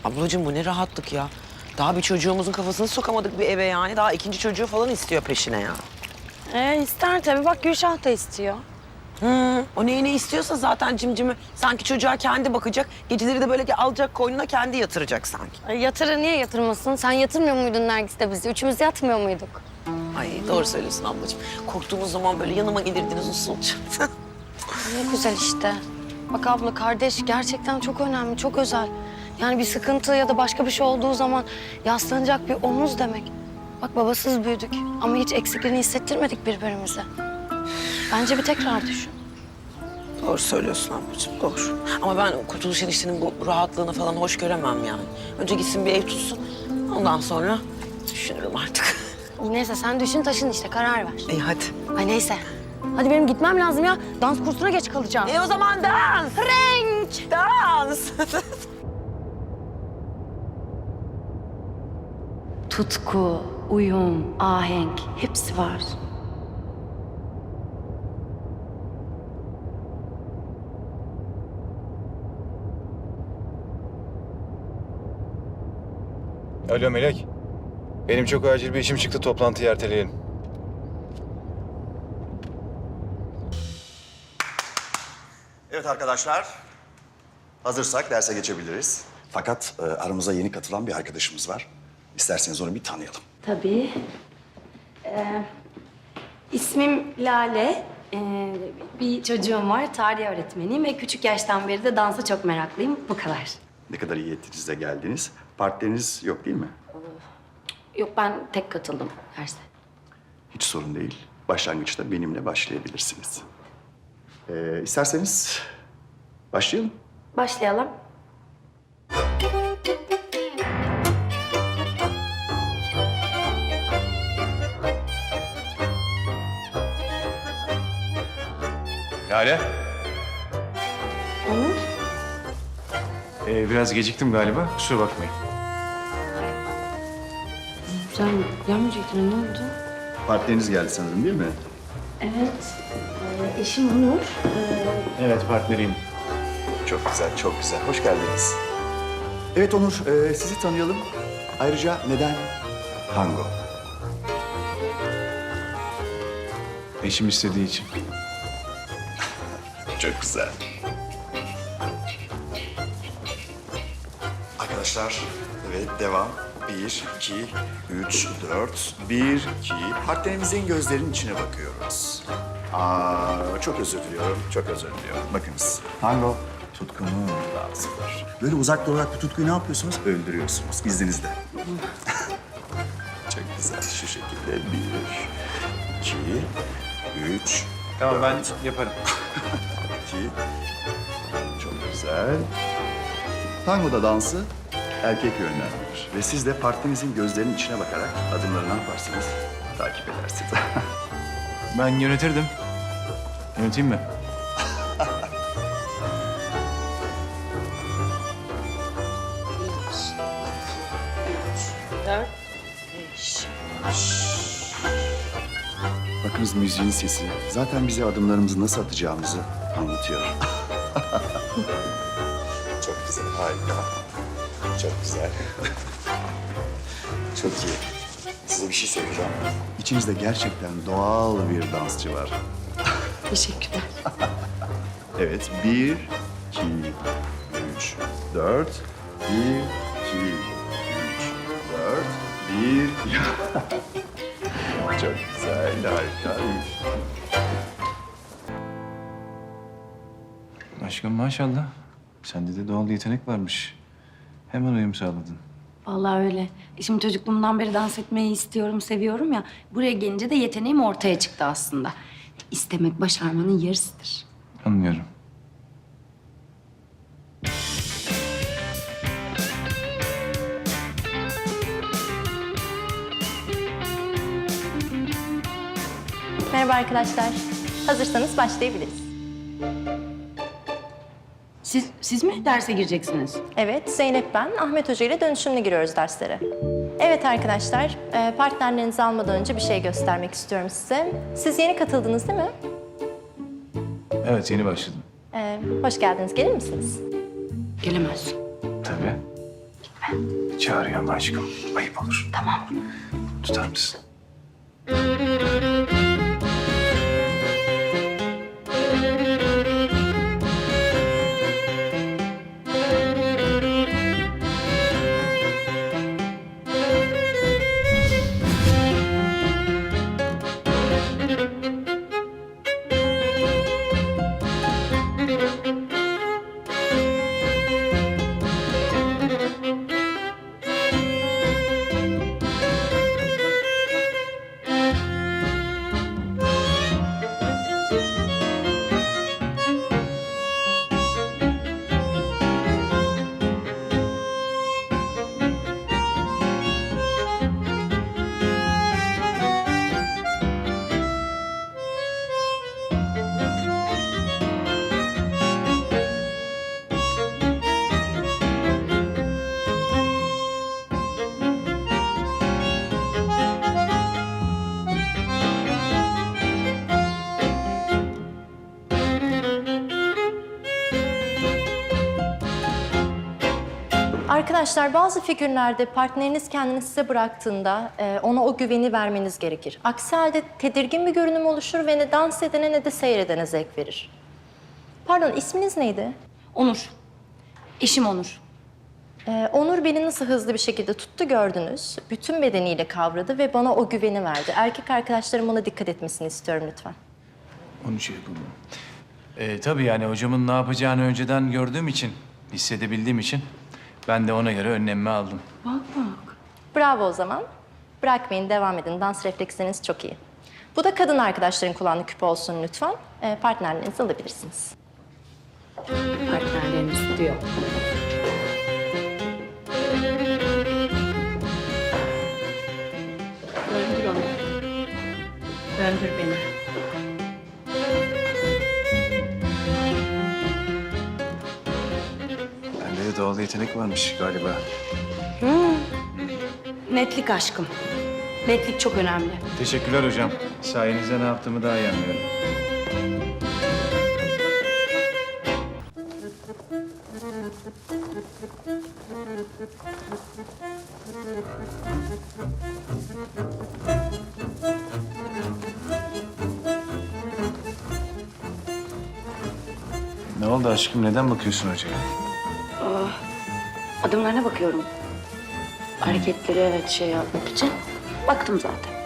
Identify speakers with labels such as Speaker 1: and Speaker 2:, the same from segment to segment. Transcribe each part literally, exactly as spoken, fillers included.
Speaker 1: Ablacığım bu ne rahatlık ya. Daha bir çocuğumuzun kafasını sokamadık bir eve yani. Daha ikinci çocuğu falan istiyor peşine ya.
Speaker 2: Ee, ister tabii. Bak Gülşah da istiyor.
Speaker 1: Hı, o neyini istiyorsa zaten cimcimi sanki çocuğa kendi bakacak. Geceleri de böyle alacak koynuna kendi yatıracak sanki.
Speaker 2: Ay, yatırır niye yatırmasın? Sen yatırmıyor muydun Nergis'te bizi? Üçümüz yatmıyor muyduk?
Speaker 1: Ay doğru söylüyorsun ablacığım. Korktuğumuz zaman böyle yanıma gelirdiniz usulca.
Speaker 2: Ne güzel işte. Bak abla kardeş gerçekten çok önemli, çok özel. Yani bir sıkıntı ya da başka bir şey olduğu zaman yaslanacak bir omuz demek. Bak babasız büyüdük ama hiç eksikliğini hissettirmedik birbirimize. Bence bir tekrar düşün.
Speaker 1: Doğru söylüyorsun ablacığım, doğru. Ama ben Kurtuluş Enişte'nin bu rahatlığını falan hoş göremem yani. Önce gitsin bir ev tutsun, ondan sonra düşünürüm artık.
Speaker 2: Neyse sen düşün taşın işte karar ver.
Speaker 1: İyi hadi.
Speaker 2: Ay neyse. Hadi benim gitmem lazım ya. Dans kursuna geç kalacağım.
Speaker 1: E o zaman dans.
Speaker 2: Renk!
Speaker 1: Dans.
Speaker 3: Tutku, uyum, ahenk hepsi var.
Speaker 4: Alo Melek. Benim çok acil bir işim çıktı. Toplantıyı erteleyelim.
Speaker 5: Evet arkadaşlar, hazırsak derse geçebiliriz. Fakat e, aramıza yeni katılan bir arkadaşımız var. İsterseniz onu bir tanıyalım.
Speaker 3: Tabii. Ee, ismim Lale. Ee, bir çocuğum var, tarih öğretmeniyim ve küçük yaştan beri de dansa çok meraklıyım. Bu kadar.
Speaker 5: Ne kadar iyi ettiniz de geldiniz. Partileriniz yok değil mi?
Speaker 3: Yok ben tek katıldım derse.
Speaker 5: Hiç sorun değil. Başlangıçta benimle başlayabilirsiniz. Ee, isterseniz başlayalım.
Speaker 3: Başlayalım.
Speaker 4: Lale.
Speaker 2: Onur?
Speaker 4: Ee, biraz geciktim galiba. Kusura bakmayın.
Speaker 2: Sen gelmeyecektin ne oldu?
Speaker 5: Partileriniz geldi sanırım değil mi?
Speaker 3: Evet. Ee, eşim Onur. Ee,
Speaker 4: Evet, partneriyim.
Speaker 5: Çok güzel, çok güzel. Hoş geldiniz. Evet Onur, e, sizi tanıyalım. Ayrıca neden tango?
Speaker 4: Eşim istediği için.
Speaker 5: Çok güzel. Arkadaşlar, evet devam. Bir, iki, üç, dört. Bir, iki. Partnerimizin gözlerinin içine bakıyoruz. Aa, çok özür diliyorum, çok özür diliyorum. Bakınız, tango tutkunun dansıdır. Böyle uzak durarak bu tutkuyu ne yapıyorsunuz? Öldürüyorsunuz, izninizle. Çok güzel, şu şekilde. Bir, iki, üç,
Speaker 4: Tamam, ben yaparım.
Speaker 5: İki. Çok güzel. Tango'da dansı erkek yönlendirir. Ve siz de partnerinizin gözlerinin içine bakarak adımları ne yaparsınız? Takip edersiniz.
Speaker 4: Ben yönetirdim. Yöneteyim mi?
Speaker 2: Dört, beş.
Speaker 5: Bakınız müziğin sesi. Zaten bize adımlarımızı nasıl atacağımızı anlatıyor. Çok güzel, harika. Çok güzel. Çok iyi. Size bir şey söyleyeceğim. İçinizde gerçekten doğal bir dansçı var.
Speaker 3: teşekkürler.
Speaker 5: Evet, bir, iki, üç, dört. Bir, iki, üç, dört. Bir, çok güzel, harika.
Speaker 4: Aşkım maşallah. Sende de doğal yetenek varmış. Hemen uyum sağladın.
Speaker 3: Vallahi öyle. Şimdi çocukluğumdan beri dans etmeyi istiyorum, seviyorum ya. Buraya gelince de yeteneğim ortaya çıktı aslında. İstemek başarmanın yarısıdır.
Speaker 4: Anlıyorum.
Speaker 6: Merhaba arkadaşlar. Hazırsanız başlayabiliriz.
Speaker 3: Siz, siz mi derse gireceksiniz?
Speaker 6: Evet, Zeynep ben. Ahmet Hoca ile dönüşümlü giriyoruz derslere. Evet arkadaşlar, e, partnerlerinizi almadan önce bir şey göstermek istiyorum size. Siz yeni katıldınız değil mi?
Speaker 4: Evet, yeni başladım.
Speaker 6: E, hoş geldiniz. Gelir misiniz?
Speaker 3: Gelemez.
Speaker 4: Tabii.
Speaker 3: mi?
Speaker 4: Çağırıyorum aşkım. Ayıp olur.
Speaker 3: Tamam.
Speaker 4: Tutar mısın?
Speaker 6: Arkadaşlar bazı figürlerde partneriniz kendini size bıraktığında e, ona o güveni vermeniz gerekir. Aksi halde tedirgin bir görünüm oluşur ve ne dans edene ne de seyredene zevk verir. Pardon, isminiz neydi?
Speaker 3: Onur. Eşim Onur.
Speaker 6: Ee, Onur beni nasıl hızlı bir şekilde tuttu gördünüz. Bütün bedeniyle kavradı ve bana o güveni verdi. Erkek arkadaşlarım ona dikkat etmesini istiyorum lütfen.
Speaker 4: Onu şey yapalım. Ee, tabii yani hocamın ne yapacağını önceden gördüğüm için, hissedebildiğim için ben de ona göre önlemimi aldım.
Speaker 6: Bravo o zaman. Bırakmayın, devam edin. Dans refleksleriniz çok iyi. Bu da kadın arkadaşların kullandığı küpe olsun lütfen. Ee, partnerlerinizi alabilirsiniz.
Speaker 3: Partnerlerimiz diyor. Döndür onu. Döndür beni.
Speaker 4: Bende de doğal yetenek varmış galiba.
Speaker 3: Netlik aşkım. Netlik çok önemli.
Speaker 4: Teşekkürler hocam. Sayenizde ne yaptığımı daha iyi anlıyorum. Ne oldu aşkım? Neden bakıyorsun hocaya?
Speaker 3: Adımlarına bakıyorum. Hareketleri evet şey yapmak için. Baktım zaten.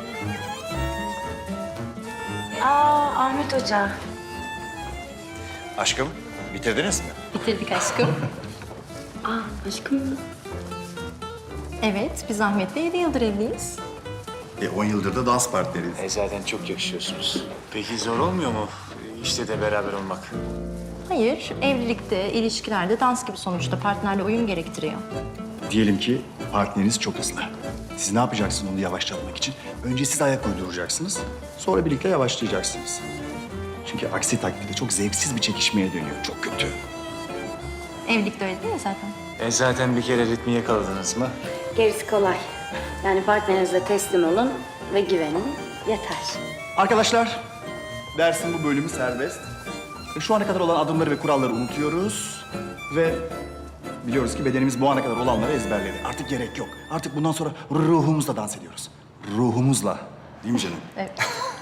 Speaker 3: Aa Ahmet Hoca.
Speaker 5: Aşkım, bitirdiniz mi?
Speaker 6: Bitirdik aşkım.
Speaker 3: Aa aşkım.
Speaker 6: Evet, biz Ahmet'le yedi yıldır evliyiz.
Speaker 5: E, on yıldır da dans partneriyiz.
Speaker 4: E zaten çok yakışıyorsunuz. Peki zor olmuyor mu işte de beraber olmak?
Speaker 6: Hayır, evlilikte, ilişkilerde dans gibi sonuçta partnerle uyum gerektiriyor.
Speaker 5: Diyelim ki partneriniz çok hızlı. Siz ne yapacaksınız onu yavaşlatmak için? Önce siz ayak uyduracaksınız. Sonra birlikte yavaşlayacaksınız. Çünkü aksi takdirde çok zevksiz bir çekişmeye dönüyor. Çok kötü.
Speaker 6: Evlilikte öyle değil mi zaten?
Speaker 4: E zaten bir kere ritmi yakaladınız mı?
Speaker 3: Gerisi kolay. Yani partnerinize teslim olun ve güvenin. Yeter.
Speaker 5: Arkadaşlar, dersin bu bölümü serbest. Ve şu ana kadar olan adımları ve kuralları unutuyoruz. Ve biliyoruz ki bedenimiz bu ana kadar olanları ezberledi. Artık gerek yok. Artık bundan sonra ruhumuzla dans ediyoruz. Ruhumuzla. Değil mi canım?
Speaker 6: Evet.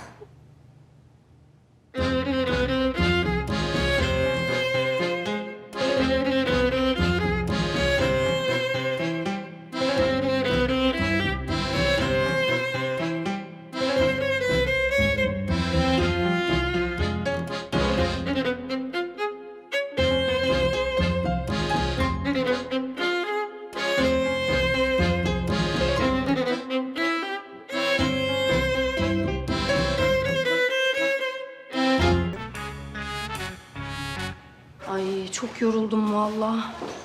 Speaker 3: Ay çok yoruldum vallahi.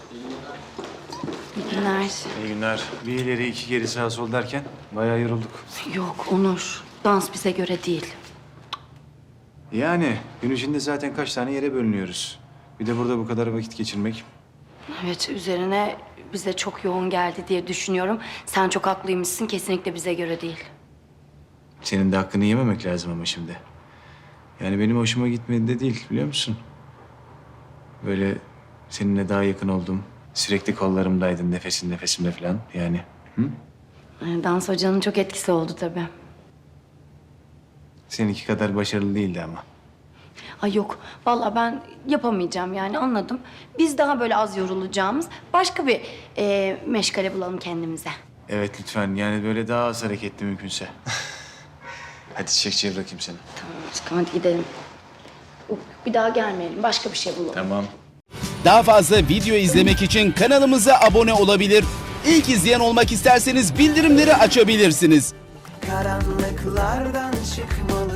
Speaker 3: İyi günler.
Speaker 4: İyi günler. Bir ileri iki geri sağ sol derken bayağı yorulduk.
Speaker 3: Yok Onur. Dans bize göre değil.
Speaker 4: Yani gün içinde zaten kaç tane yere bölünüyoruz. Bir de burada bu kadar vakit geçirmek.
Speaker 3: Evet üzerine bize çok yoğun geldi diye düşünüyorum. Sen çok haklıymışsın. Kesinlikle bize göre değil.
Speaker 4: Senin de hakkını yememek lazım ama şimdi. Yani benim hoşuma gitmedi de değil biliyor musun? Böyle seninle daha yakın oldum. Sürekli kollarımdaydın, nefesin nefesimde falan yani. Hı?
Speaker 3: Ee, Dans hocanın çok etkisi oldu tabii.
Speaker 4: Seninki kadar başarılı değildi ama.
Speaker 3: Ay yok, vallahi ben yapamayacağım yani anladım. Biz daha böyle az yorulacağımız başka bir e, meşgale bulalım kendimize.
Speaker 4: Evet lütfen, yani böyle daha az hareketli mümkünse. Hadi çiçekçiye bırakayım seni.
Speaker 3: Tamam aşkım hadi gidelim. Yok, bir daha gelmeyelim, başka bir şey bulalım.
Speaker 4: Tamam.
Speaker 7: Daha fazla video izlemek için kanalımıza abone olabilir. İlk izleyen olmak isterseniz bildirimleri açabilirsiniz.
Speaker 8: Karanlıklardan çıkmalı